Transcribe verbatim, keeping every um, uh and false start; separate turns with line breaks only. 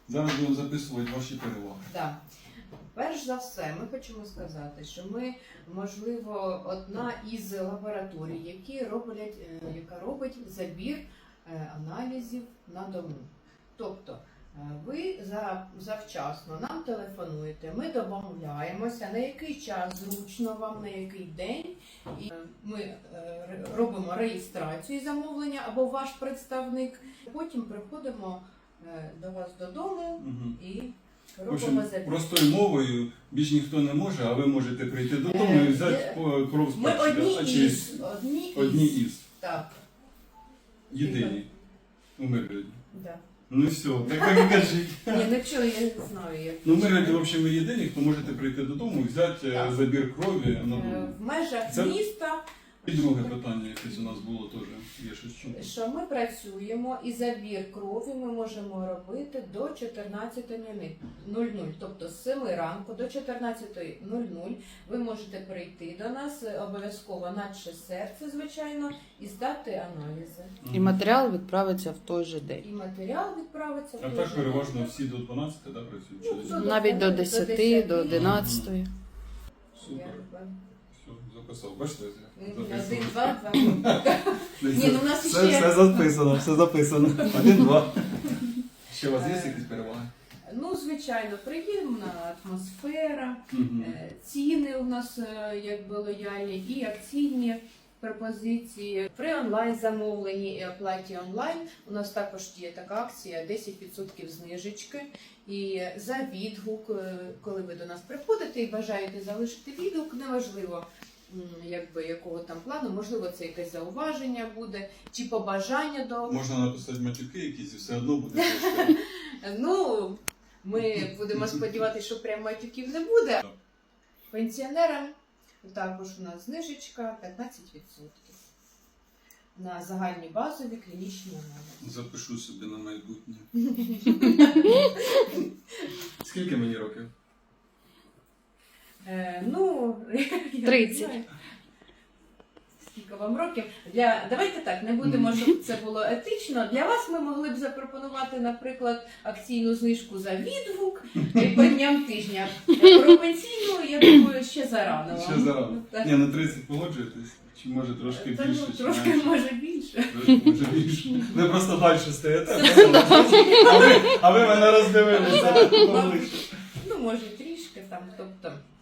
Зараз будемо записувати ваші переваги.
Да. Перш за все, ми хочемо сказати, що ми, можливо, одна із лабораторій, які роблять, е, яка робить забір е, аналізів на дому. Тобто, е, ви за, завчасно нам телефонуєте, ми домовляємося, на який час зручно вам, на який день, і е, ми е, ре- робимо реєстрацію замовлення або ваш представник, потім приходимо е, до вас додому
Угу.
і
В
робимо
общем,
забір.
простою мовою більш ніхто не може, а ви можете прийти додому і взяти
Е,
по- кров з
Ми
пальчика.
одні
А чи
із. Одні із.
одні із.
Так.
Єдині. У Миргороді.
Да.
Ну все, так так і кажіть.
Ні, ну чого, я не знаю, як.
Ну, в Миргороді, в общем, ви єдині, хто можете прийти додому і взяти е,
Так.
забір крові на
Е,
дому.
В межах
Це-
міста,
І друге питання якесь у нас було теж. Є щось чути.
що ми працюємо і забір крові ми можемо робити до чотирнадцятої нуль нуль. Тобто з семи ранку до чотирнадцятої нуль нуль ви можете прийти до нас, е, обов'язково наче серце, звичайно, і здати аналізи.
І матеріал відправиться в той же день.
І матеріал відправиться. в
А
той
так
же
переважно
день.
всі до дванадцяти, да, працюють? Чи
Ну,
десь?
до-
Навіть до
до
десяти,
десяти.
до одинадцятої.
Супер.
Якби.
Все, записав. Бачите?
Один,
Записав.
два, два. Ні, ну у нас
Все,
ще-
все записано, все записано. Один, два. Ще у вас є якісь переваги?
Ну, звичайно, приємна атмосфера,
Мгм.
е, ціни у нас е, якби лояльні і акційні пропозиції. При онлайн замовленні і оплаті онлайн у нас також є така акція десять відсотків знижечки. І за відгук, е, коли ви до нас приходите і бажаєте залишити відгук, неважливо, м, якби якого там плану, можливо, це якесь зауваження буде, чи побажання до.
Можна написати матюки якісь і все одно буде трошки.
Ну, ми будемо сподіватися, що прямо матюків не буде.
Так.
Пенсіонерам також у нас знижечка п'ятнадцять відсотків на загальні базові клінічні аналізи.
Запишу собі на майбутнє. Скільки мені років?
Е, ну, я не
тридцять.
знаю. Скільки вам років? Для... Давайте так, не будемо, щоб це було етично. Для вас ми могли б запропонувати, наприклад, акційну знижку за відгук і по дням тижня. Про пенсійну, я думаю, ще зарано. вам.
Ще зарано.
Так.
Ні, на тридцять погоджуєтесь? Чи може трошки
Та,
більше?
ну,
чи
трошки
менше?
може більше.
Трошки може більше. Ви просто далі стоїте, а ви, а ви мене роздивилися.
Мабуть, ну може трішки там, тобто.